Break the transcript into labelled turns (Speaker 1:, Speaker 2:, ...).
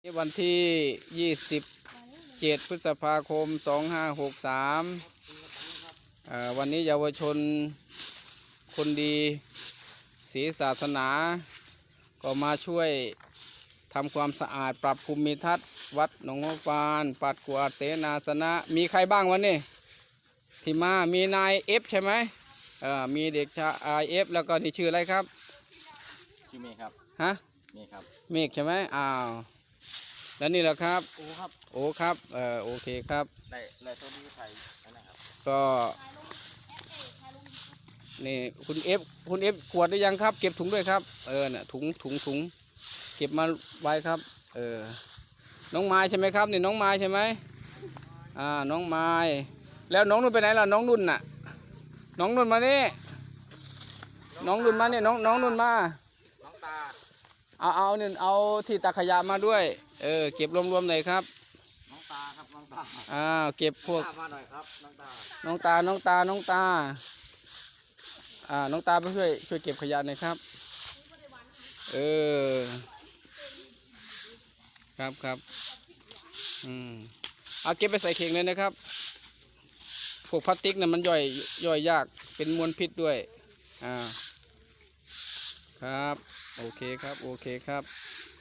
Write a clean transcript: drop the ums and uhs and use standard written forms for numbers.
Speaker 1: วันที่27พฤษภาคม2563วันนี้เยาวชนคนดีศรีศาสนาก็มาช่วยทำความสะอาดปรับภูมิทัศน์วัดหนองหัวปานปัดกวาดเสนาสนะมีใครบ้างวันนี้ที่มามีนายเอฟใช่ไหมมีเด็กชายเอฟแล้วก็นี่ชื่ออะไรครับ
Speaker 2: ชื่อเมฆครับ
Speaker 1: ฮะ
Speaker 2: เมฆครับ
Speaker 1: เมฆใช่ไหมแล้วนี่แหละครับ
Speaker 2: โอ้ครับ
Speaker 1: โอ้ครับโอเคครับ
Speaker 2: ได้ต้นที่ไทยนะครับ
Speaker 1: ก็นี่คุณเอฟขวดได้ยังครับเก็บถุงด้วยครับเนี่ยถุงเก็บมาไว้ครับน้องไม้ใช่ไหมครับนี่น้องไม้ใช่ไหมน้องไม้แล้วน้องนุ่นไปไหนล่ะน้องนุ่นน่ะน้องนุ่นมานี่น้องนุ่นมาเนี่ยน้องนุ่นมา
Speaker 2: น้องตา
Speaker 1: เอาเนี่ยเอาที่ตักขยะมาด้วยเก็บรวมๆหน่อยครับ
Speaker 2: น้องตาครับน้องตา
Speaker 1: เก็บพวก
Speaker 2: มาหน่อยครับน้องตา
Speaker 1: น้องตาน้องตาน้องตาไปช่วยเก็บขยะหน่อยครับครับเอาเก็บไปใส่เข่งเลยนะครับพวกพลาสติกเนี่ยมันย่อยยากเป็นมลพิษด้วยครับโอเคครับ